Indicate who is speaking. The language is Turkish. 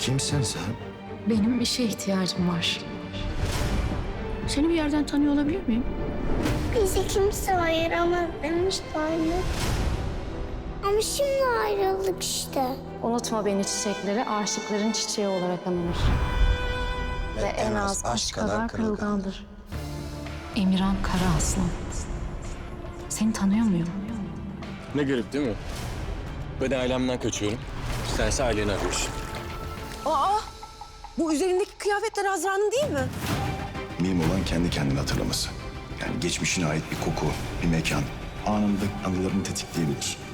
Speaker 1: Kimsin sen?
Speaker 2: Benim işe ihtiyacım var.
Speaker 3: Seni bir yerden tanıyor olabilir miyim?
Speaker 4: Bizi kimse ayıramaz demişti anne. Ama şimdi ayrıldık işte.
Speaker 2: Unutma beni çiçekleri aşıkların çiçeği olarak anılır. Ve en az aşk kadar kırılgandır. Emirhan Karaaslan. Seni tanıyor muyum?
Speaker 5: Ne garip değil mi? Ben ailemden kaçıyorum. Sense aileni arıyorsun.
Speaker 6: Aa! Bu üzerindeki kıyafetler Azra'nın değil mi?
Speaker 1: Mühim olan kendi kendini hatırlaması. Yani geçmişine ait bir koku, bir mekan anında anılarını tetikleyebilir.